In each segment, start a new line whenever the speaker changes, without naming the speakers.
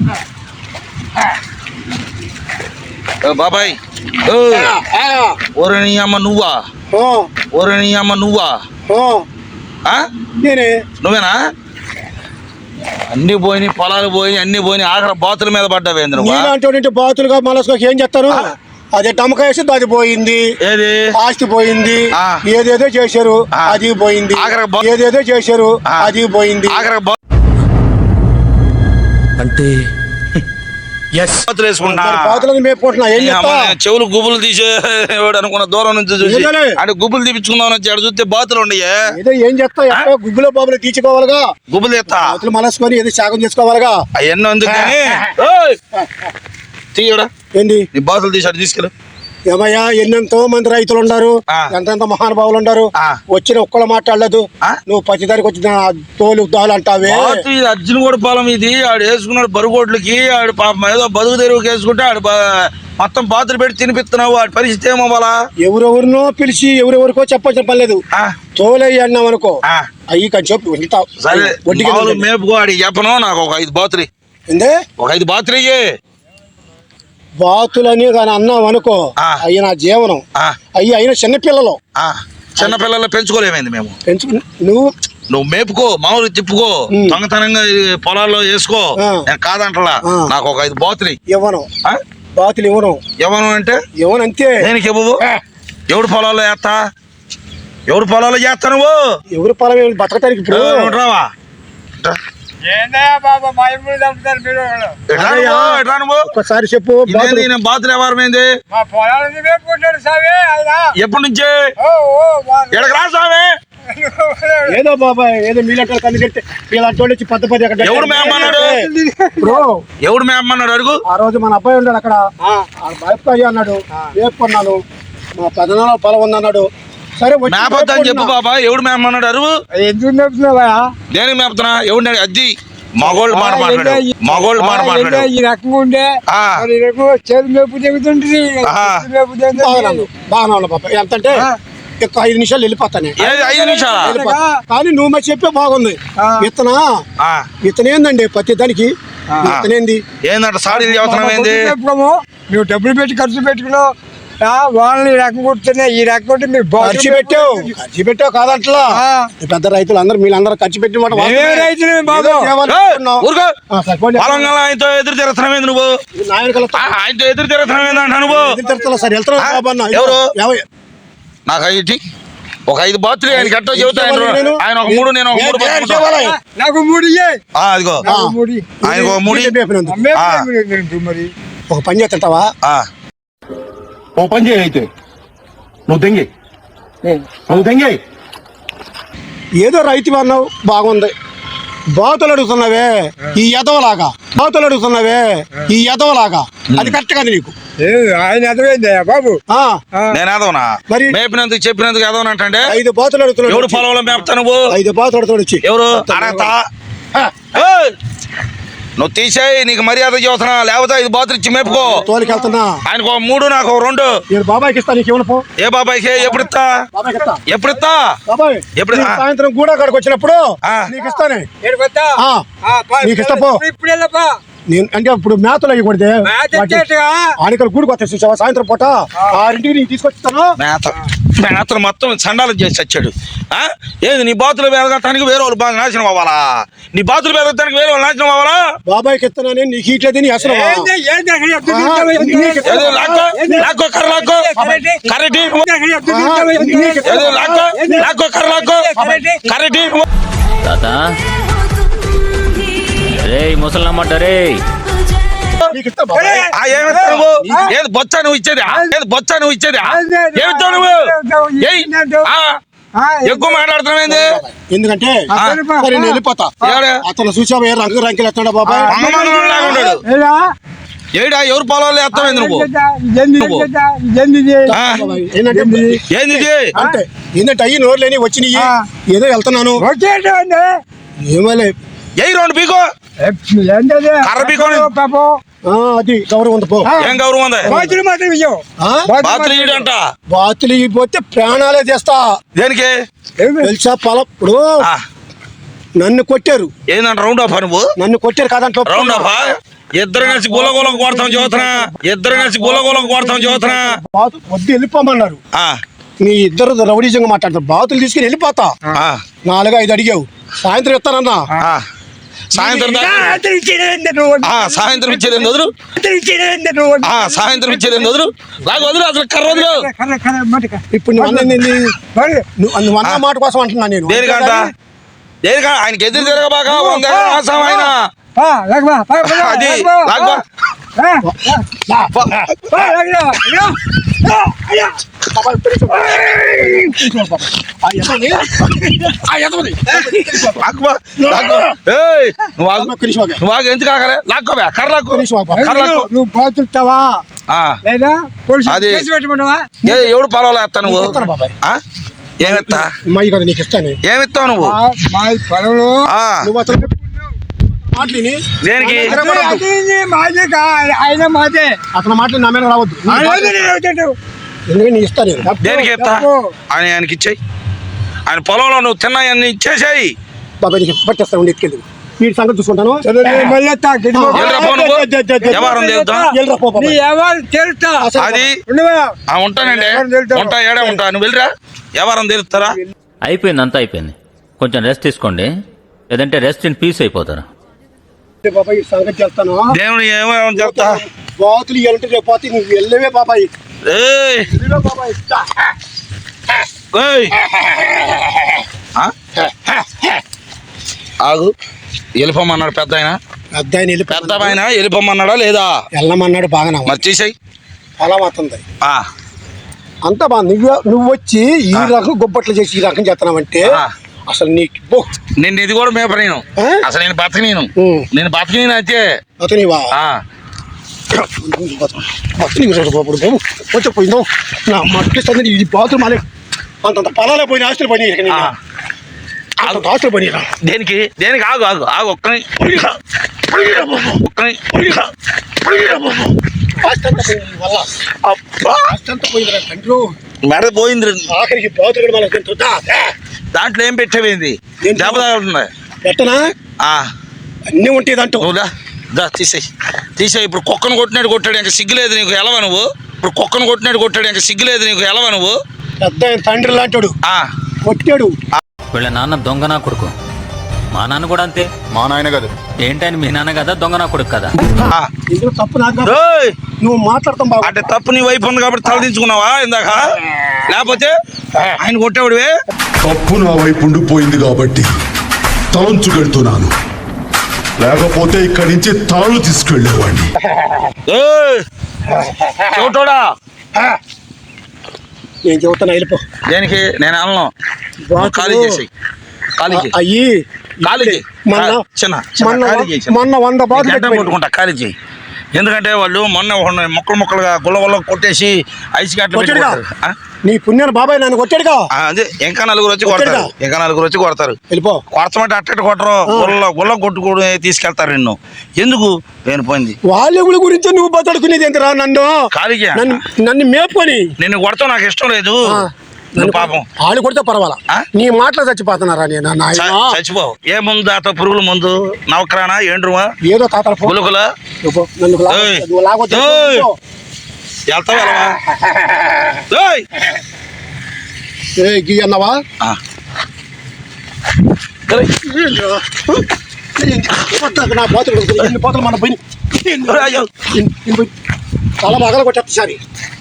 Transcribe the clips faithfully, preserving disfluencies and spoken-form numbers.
బాబాయ్ ఓరే నీ అమ్మ నువ్వా ఓరే నీ అమ్మ నువ్వా
నేనే
నువ్వేనా అన్ని పోయినాయి పొలాలు పోయినాయి అన్ని పోయినాయి ఆఖరి బాతుల మీద పడ్డావేంద్ర
అంటే బాతులుగా మనసుకోకి ఏం చెప్తాను అదే టమకాయ వేసి అది పోయింది
ఏది
ఆస్తి పోయింది ఏదేదో చేశారు అది పోయింది ఏదేదో చేశారు అది పోయింది
అంటే చెవులు గుబులు తీసేవాడు అనుకున్న దూరం నుంచి చూసి అంటే గుబులు తీపించుకుందాం వచ్చి అక్కడ చూస్తే బాతులు ఉండయే
ఏం చేస్తా గుబ్బులో బాబులు తీసుకోవాలిగా
గుబులు తెస్తా
బాతులు మనసుకొని ఏదో శాగం చేసుకోవాలిగా
అవన్నీ అందుకని తీయడా ఏంటి నీ బాతులు తీసాడు తీసుకెళ్ళు
ఏమయ్యా ఎన్నెంతో మంది రైతులు ఉన్నారు ఎంతెంత మహానుభావులు ఉన్నారు వచ్చిన ఒక్కళ్ళు మాట్లాడలేదు నువ్వు పచ్చిదారికి వచ్చిన తోలు దాలు అంటావే
అర్జున్ కూడా పొలం ఇది ఆడు వేసుకున్నాడు బరుగోట్లకి ఆడు పాపం ఏదో బతుకు తెరువుకి వేసుకుంటే ఆడు మొత్తం బాతులు పెట్టి తినిపిస్తున్నావు వాడి పరిస్థితి ఏమవ్వాలా
ఎవరెవరినో పిలిచి ఎవరెవరికో చెప్పాల్సిన పని లేదు తోలయ్యి అన్నావు అనుకో అయ్యి కొంచెం చెప్పు
మేపుకో ఆడి చెప్పను నాకు ఒక ఐదు బాతులు ఒక ఐదు బాతులు ఇయ్యే
బాతులని కానీ అన్నావు అనుకో అయ్యి నా జీవనం అయ్యి అయిన చిన్నపిల్లలు
చిన్నపిల్లలు పెంచుకోలేమైంది మేము
పెంచుకు నువ్వు
నువ్వు మేపుకో మామూలు తిప్పుకో దొంగతనంగా పొలాల్లో వేసుకో నేను కాదంటలా నాకు ఒక ఐదు బాతులు
ఇవ్వను బాతులు ఇవ్వను
ఇవ్వను అంటే
ఇవ్వను అంతే
దేనికి ఇవ్వవు ఎవడు పొలాల్లో వేస్తా ఎవడు పొలాల్లో చేస్తా నువ్వు
ఎవరు పొలం బతకటానికి ఇప్పుడు
రావా
ఒక్కసారి చెప్పు
బాతులు ఎవరమైంది ఎప్పటి నుంచే ఎడకరా సామే
ఏదో బాబాయ్ ఏదో మీలంటే కన్ను కట్టి వీళ్ళంటి వచ్చి పద్ద పది అక్కడ
ఎవడు మేమన్నాడు ఎవడు మేమన్నాడు అడుగు
ఆ రోజు మన అబ్బాయి ఉన్నాడు అక్కడ బాయ్ అన్నాడు వేపుకున్నాను మా పెదనాల పొలం ఉందన్నాడు సరే
మేపొద్దు అని చెప్పు బాబా ఎవడు మేమన్నాడు అరువు
ఎందుకు మేపుతున్నావా
దేనికి మేపుతున్నా ఎవడు అద్ది మగోళ్ళు మాట మాట్లాడు మగోళ్ళు మాట మాట్లాడు
ఈ రకంగా ఉండే చేతి మేపు చెబుతుంటుంది బాగా బాబా ఎంత అంటే ఐదు నిమిషాలు వెళ్ళిపోతాను
ఐదు నిమిషాలు
కానీ నువ్వు మరి చెప్పే బాగుంది విత్తనా విత్తనం ఏందండి ప్రతి దానికి విత్తనేంది
ఏందంట సాడి వ్యవసాయం ఏంది
నువ్వు డబ్బులు పెట్టి ఖర్చు పెట్టుకున్నావు వాళ్ళని ఈ రకం కుడుతున్నాయి ఈ రకం కొట్టి మీరు ఖర్చు పెట్టావు ఖర్చు పెట్టావు కాదంట్లా పెద్ద రైతులు అందరు మీరందరూ ఖర్చు పెట్టి
ఆయనతో ఎదురు తిరుగుతున్నావు నువ్వు ఆయనతో ఎదురు తిరుగుతున్నావు నువ్వు
ఎదురు సార్ వెళ్తున్నా
ఎవరు నాకు ఐదు ఒక ఐదు బాతులు ఆయన గట్ట చెబుతాను ఆయన ఒక మూడు నేను ఒక మూడు
నాకు మూడు
అదిగో ఆయన ఒక మూడు
మరి ఒక పని చేస్తుంటావా
ఓ పని చేయి అయితే నువ్వు దెంగి నువ్వు దెంగి
ఏదో రైతు అన్నావు బాగుంది బాతులు అడుగుతున్నావే ఈ ఎదవలాగా బాతులు అడుగుతున్నావే ఈ ఎదవలాగా అది కరెక్ట్ కాదు నీకు ఆయన ఎదవైందా బాబు
నేను ఎదవనా మరి మేపినందుకు చెప్పినందుకు ఎదవనంటే
ఐదు బాతులు అడుగుతున్నావు
ఎవడు పొలంలో మేపుతా నువ్వు
ఐదు బాతులు అడుగుతాడు వచ్చి
ఎవరు అడగతా నువ్వు తీసేయి నీకు మర్యాద చేస్తున్నా లేకపోతే ఐదు బాతులు ఇచ్చి మేపుకో
తోలికి వెళ్తున్నా
ఆయనకు మూడు నాకు రెండు
బాబాయ్కి ఇస్తా నీకు ఏమన్నా
ఏ బాబాయ్కి ఎప్పుడు ఇస్తా ఎప్పుడు ఇస్తా
బాబాయ్ ఎప్పుడు సాయంత్రం గూడ కాడికి వచ్చినప్పుడు నీకు ఇస్తానే నీకు ఇస్తా పో నేను అంటే ఇప్పుడు మేతలు అయ్యి కొడితే ఆనికలు గూడికి వస్తాయి చూసావా సాయంత్రం పూట ఆరింటికి నీకు తీసుకొచ్చిస్తాను
మేత మేతలు మొత్తం సండాలు చేసి వచ్చాడు ఏది నీ బాతులు పెరగటానికి వేరే వాళ్ళు బాగా నాశనం అవ్వాలా నీ బాతులు పెరగటానికి వేరే వాళ్ళు నాశనం అవ్వాలా
బాబాయ్కి ఇస్తానని నీకు ఇట్లేదు నీ అసలు
లాక్కో కర్ర లాక్కో కర్రటి లాక్కో లాక్కో కర్ర లాక్కో కర్రటి
ముసలమ్మంటారే
ఏది బొచ్చా నువ్వు ఇచ్చేది ఏది బొచ్చా నువ్వు ఇచ్చేది ఏమిస్తావు నువ్వు ఎక్కువ మాట్లాడుతున్నావు
ఎందుకంటే నేను వెళ్ళిపోతా అతను చూసావా రంగు రంకెలు ఎత్తాడా బాబాయ్
ఏడా ఎవరు పొలాలు ఎత్తావు నువ్వు ఏంది
అంటే ఏంటంటే అయ్యి నోరు లేని వచ్చినాయి ఏదో వెళ్తున్నాను ఏమలే
ఏ రెండు పీకో కర్ర పీకో
అది గౌరవం ఉంది పో
ఏం గౌరవం ఉంది బాతులు అంట
బాతులు ఇవ్వకపోతే ప్రాణాలే చేస్తా
దేనికి
తెలుసా పొలం ఇప్పుడు నన్ను కొట్టారు
ఏందంట రౌండ్ ఆఫ్ నువ్వు
నన్ను కొట్టారు కాదంట
రౌండ్ ఆఫ్ ఇద్దరు కలిసి గుల గుల కొడతాం చదువుతున్నా ఇద్దరు కలిసి గుల గుల కొడతాం చదువుతున్నా
బాతు వద్దు వెళ్ళిపోమన్నారు. నీ ఇద్దరు రౌడీజంగా మాట్లాడతారు. బాతులు తీసుకుని వెళ్ళిపోతా. నాలుగు ఐదు అడిగావు, సాయంత్రం ఇస్తానన్నా.
సాయంత్రం సాయంత్రం ఇచ్చేది వదులు సాయంత్రం ఇచ్చేది వదులు లాగా వదులు అసలు కర్ర వదులు.
ఇప్పుడు నువ్వు నువ్వు అన్న మాట కోసం అంటున్నా నేను.
దేనికంట దేనిక ఆయనకి ఎదురు తిరగబాక ఆయన అది లాగబా నువ్వు ఎందుకు ఆగలే లాక్కోబా కర్ర లాక్కో
నువ్వు బాతుతావా లేదా
అది ఎవడు పొలంలో వేస్తా నువ్వు ఏమిస్తా
నీకు ఇస్తాను.
ఏమిస్తావు నువ్వు
పొలంలో
దేనికి
ఆయన మాదే అతని మాటలు నా మీద రావద్దు. ఎందుకంటే నీ ఇస్తాను.
దేనికి ఇస్తా ఆయన ఆయనకి ఇచ్చేయి. ఆయన పొలంలో నువ్వు తిన్నాయన్ని ఇచ్చేసాయి.
బాబాయ్ నీకు పట్టేస్తా ఉండి ఎత్తుకెళ్ళి వీడి సంగతి చూసుకుంటాను.
అది ఉంటానండి ఉంటా ఏడా ఉంటా నువ్వు వెళ్ళరా ఎవరం తెలుస్తారా.
అయిపోయింది అంతా అయిపోయింది. కొంచెం రెస్ట్ తీసుకోండి, లేదంటే రెస్ట్ ఇన్ పీస్ అయిపోతారు.
బాబాయ్ సంగతి చేస్తాను.
దేవుని ఏమేమని చెప్తా
బాతులు ఇవ్వాలంటే రేపు పోతే నువ్వు వెళ్ళవే బాబాయ్.
ఆగు వెళ్ళిపోమన్నాడు పెద్ద ఆయన.
పెద్ద ఆయన వెళ్ళి
పెద్ద ఆయన వెళ్ళిపోమన్నాడా లేదా?
వెళ్ళమన్నాడు. బాగా మరి
తీసేయి
అలా అవుతుంది అంతా బాగా. నువ్వు నువ్వు వచ్చి ఈ రకం గొప్పట్లు చేసి ఈ రకం చేస్తున్నావంటే అసలు నీకు
నేను ఇది కూడా మేప నేను అసలు నేను బతక నేను నేను బతక నేను అయితే
బతనివా బాబు వచ్చకపోయిందో నా మట్టిస్తుంది. ఈ బాతులు మాలే అంతంత పొలాలే పోయిన ఆస్తులు పోయినాయి. ఆస్తులు పోయినా
దేనికి దేనికి ఆగు ఆగు ఆగు ఒక్కని ఒక్కని మెడ పోయింది.
ఆఖరికి బాతులు కూడా
దాంట్లో ఏం పెట్టేవేంది దెబ్బ
పెట్టనా అన్నీ ఉంటాయి దాంట్లో.
దా తీసేయి తీసేయి. ఇప్పుడు కుక్కను కొట్టినాడు కొట్టాడు ఇంకా సిగ్గులేదు నీకు ఎలవా నువ్వు. ఇప్పుడు కుక్కను కొట్టినాడు కొట్టాడు ఇంకా సిగ్గులేదు నీకు ఎలవా నువ్వు.
పెద్ద తండ్రి లాంటాడు కొట్టాడు.
వీళ్ళ నాన్న దొంగ నా కొడుకు, మా నాన్న కూడా అంతే.
మా నాయన కదా
ఏంటని మీ నాన్న కదా దొంగ నా కొడుకు కదా.
ఇందులో తప్పు నాకు నువ్వు మాట్లాడతాం బాబు.
అంటే తప్పు నీ వైపు ఉంది కాబట్టి తలదించుకున్నావా ఇందాక, లేకపోతే ఆయన కొట్టేవాడివే.
తప్పు నా వైపు ఉండిపోయింది కాబట్టి తలంచుకెళ్తున్నాను, లేకపోతే ఇక్కడి నుంచి తాళ్ళు తీసుకెళ్లేవాడిని.
చోటోడా
నేను చెబుతాను వెళ్ళిపో.
దేనికి నేను అలను ఖాళీ చేసి ఖాళీ
అయ్యి
ఖాళీ చేయి చిన్న
మొన్న వంద బాతులు
కొట్టుకుంటా ఖాళీ చేయి. ఎందుకంటే వాళ్ళు మొన్న మొక్కలు మొక్కలుగా గుల్ల గుల్ల కొట్టేసి ఐస్ గట్లు
నీ పుణ్యాన్ని బాబాయ్ నన్ను కొట్టాడుగా.
అదే ఇంకా నలుగురు వచ్చి కొడతారు ఇంకా నలుగురు వచ్చి కొడతారు.
వెళ్ళిపో.
కొడతామంటే అట్టటి కొట్టరు గుల్ల గుల్ల కొట్టుకోడు తీసుకెళ్తారు నిన్ను. ఎందుకు నేను పోయింది
వాళ్ళ గురించి నువ్వు బతడుకునేది ఎంతరా నన్ను
ఖాళీ
నన్ను మేపుకొని
నిన్ను కొడతావు నాకు ఇష్టం లేదు. పాపం
వాళ్ళు కొడితే పర్వాలా, నీ మాటలు చచ్చిపోతున్నారా? నేను
చచ్చిపోవు ఏముందు తాత పురుగుల ముందు నవక్రానా ఏండ్రువా
ఏదో తాతల
పులుకుల
గీ అన్నావా నా బాతులు ఎన్ని పోతలు మన పోయి చాలా బాగా కొట్టేస్తా సారి.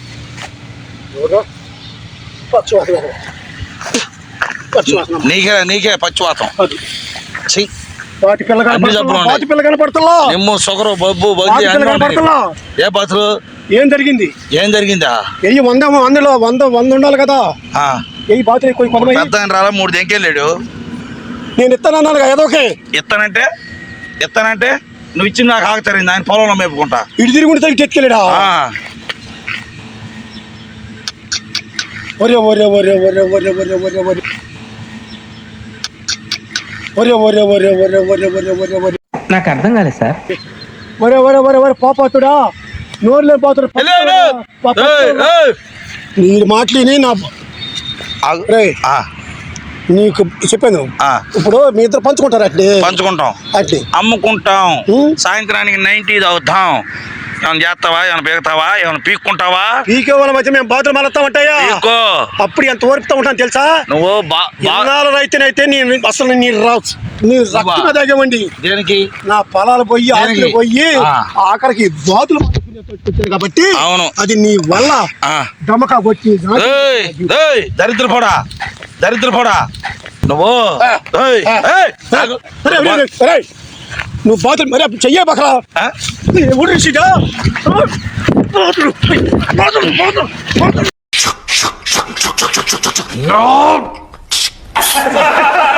నీకే నీకే పచ్చివాతం
వాటి పిల్ల వాటి పిల్ల కనపడుతున్నా
నిమ్ము సొగరు బొబ్బు ఏ బతులు
ఏం జరిగింది
ఏం జరిగిందా?
వెయ్యి వంద వందలో వంద వంద ఉండాలి కదా. వెయ్యి బాతులు కొంతమంది
పెద్ద రాలా మూడు దెంకెళ్ళాడు.
నేను ఇస్తానన్నాను ఏదోకే
ఇస్తానంటే ఇస్తానంటే నువ్వు ఇచ్చింది నాకు ఆగుతారింది ఆయన పొలంలో మేపుకుంటా
ఇటు తిరుగుంటే ఎత్తుకెళ్ళాడా. ఒరే ఒరే ఒరే ఒరే ఒరే ఒరే ఒరే ఒరే ఒరే ఒరే ఒరే ఒరే ఒరే ఒరే ఒరే ఒరే
నాకు అర్థం కాలేదు సార్.
ఒరే ఒరే ఒరే ఒరే పాపాతుడా నోరులే పాతుడు నీ మాటలేని నా నీకు చెప్పాను
ఆ.
ఇప్పుడు మీ ఇద్దరు పంచుకుంటారు అట్లే
పంచుకుంటాం,
అట్లే
అమ్ముకుంటాం,
ఉం.
సాయంత్రానికి నైన్టీ తాగుతాం. ఏమైనా చేస్తావా, ఏమైనా పీకుతావా, ఏమైనా పీక్కుంటావా?
పీకే వాళ్ళ మధ్య మేము బాధలు మళ్ళా
పీక్కో.
అప్పుడు ఎంత ఓర్పుతా ఉంటాను తెలుసా?
నువ్వు బా బా-
ఎన్నాళ్ళు రైతునైతే నేను అసలు నీ రావు నీ రక్తమే తాగేవండి.
దేనికి?
నా పొలాలు పోయి ఆకులు
దేనికి?
పోయి
ఆ.
ఆఖరికి బాతులు వచ్చాను కాబట్టి
అవును.
అది నీ వల్ల
ఆ.
డమకా కొట్టి
ఏయ్, ఏయ్, దరిద్ర పోడా, దరిద్ర పోడా నువ్వు. ఏయ్, ఏయ్, ఆగు.
అరే, అరే, అరే, అరే. నువ్వు బాతులు మరి అప్పుడు చెయ్యే బకరా
ఆ?
ఊరిసిగా బాతులు బాతులు బాతులు బాతులు